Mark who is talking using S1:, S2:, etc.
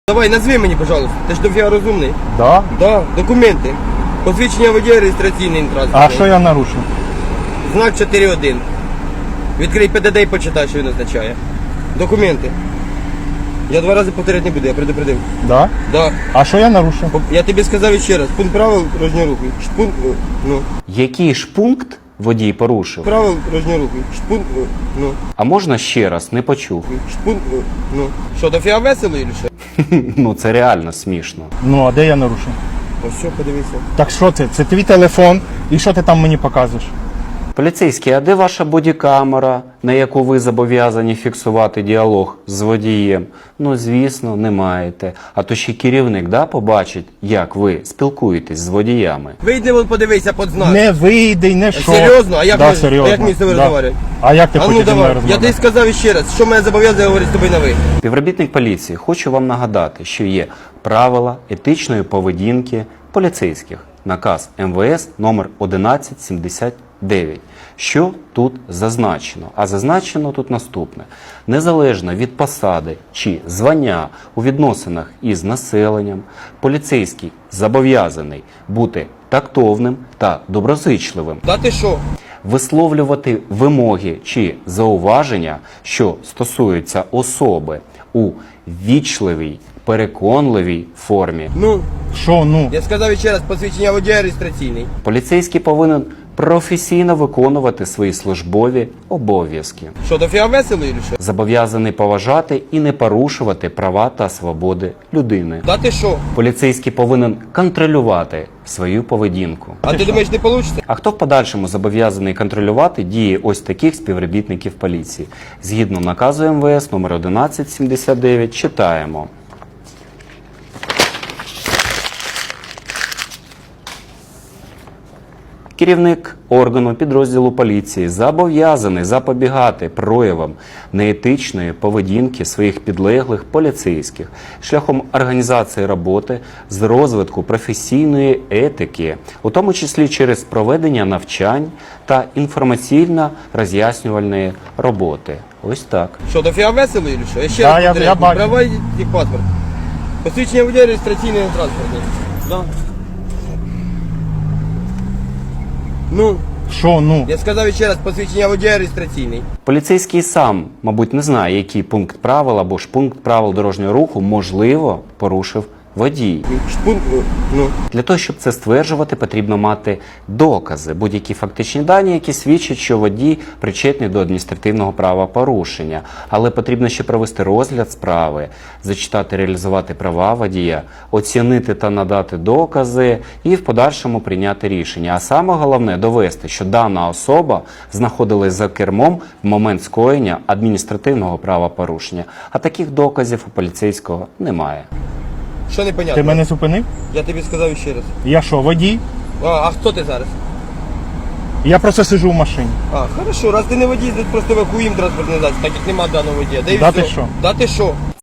S1: Давай, назви мені, пожалуйста. Ти ж дофіга розумний.
S2: Да?
S1: Да, документи. Посвідчення водія, реєстраційний транспорт.
S2: А що я нарушив?
S1: Знак 4.1. Відкрий ПДД і почитай, що він означає. Документи. Я 2 рази повторяти не буду, я предупредив.
S2: Да?
S1: Да.
S2: А що я нарушив?
S1: Я тобі сказав ще раз. Пункт правил дорожнього руху. Пункт,
S3: Який ж пункт водій порушив?
S1: правил дорожнього руху. Пункт,
S3: А можна ще раз? Не почув.
S1: пункт, Що, дофіга весело чи що?
S3: Ну це реально смішно.
S2: Ну, а де я нарушив?
S1: Ось що, подивися.
S2: Так що це? Це твій телефон. І що ти там мені показуєш?
S3: Поліцейський, а де ваша бодікамера, на яку ви зобов'язані фіксувати діалог з водієм? Ну, звісно, не маєте. А то ще керівник, да, побачить, як ви спілкуєтесь з водіями.
S1: Вийди вон, подивися під знак.
S2: Не вийди, не що.
S1: Серйозно? А як
S2: да,
S1: ми-
S2: серйозно.
S1: а як ми з тобою розмовляємо?
S2: А як ти
S1: А
S2: хочеш
S1: ну
S2: зі мною
S1: давай, я тобі
S2: розмовляти?
S1: сказав ще раз, що мене зобов'язує говорити з тобою на ви.
S3: Співробітник поліції, хочу вам нагадати, що є правила етичної поведінки поліцейських. Наказ МВС номер 1179. Що тут зазначено? А зазначено тут наступне. Незалежно від посади чи звання у відносинах із населенням, поліцейський зобов'язаний бути тактовним та доброзичливим,
S1: Да ти що?
S3: висловлювати вимоги чи зауваження, що стосуються особи, у ввічливій, переконливій формі.
S1: Ну,
S2: Що, ну?
S1: я сказав ще раз, посвідчення водія реєстраційний.
S3: Поліцейський повинен професійно виконувати свої службові обов'язки.
S1: Що, дофіга весело чи що?
S3: Зобов'язаний поважати і не порушувати права та свободи людини.
S1: Да ти що?
S3: Поліцейський повинен контролювати свою поведінку.
S1: А ти думаєш, не вийде?
S3: А хто в подальшому зобов'язаний контролювати дії ось таких співробітників поліції? Згідно наказу МВС номер 1179 читаємо. Керівник органу підрозділу поліції зобов'язаний запобігати проявам неетичної поведінки своїх підлеглих поліцейських шляхом організації роботи з розвитку професійної етики, у тому числі через проведення навчань та інформаційно-роз'яснювальної роботи. Ось так.
S1: Що, дофіга весело чи що? Я ще
S2: Да,
S1: раз
S2: я
S1: повторяю,
S2: бачу.
S1: права і паспорт. Посвідчення водія реєстраційний транспортний. Да. Ну,
S2: Що, ну?
S1: я сказав ще раз, посвідчення водія реєстраційний.
S3: Поліцейський сам, мабуть, не знає, який пункт правил або ж пункт правил дорожнього руху, можливо, порушив водій.
S1: Пункт,
S3: Для того, щоб це стверджувати, потрібно мати докази, будь-які фактичні дані, які свідчать, що водій причетний до адміністративного правопорушення. Але потрібно ще провести розгляд справи, зачитати, реалізувати права водія, оцінити та надати докази і в подальшому прийняти рішення. А саме головне – довести, що дана особа знаходилась за кермом в момент скоєння адміністративного правопорушення. А таких доказів у поліцейського немає.
S1: що непонятно?
S2: Ти мене зупинив?
S1: Я тобі сказав ще раз.
S2: Я що, водій?
S1: А хто ти зараз?
S2: Я просто сиджу в машині.
S1: А, хорошо, раз ти не водій, значить просто евакуїм транспортний засіб, так як нема даного водія. Да і
S2: Да
S1: все.
S2: ти що?
S1: Да ти що?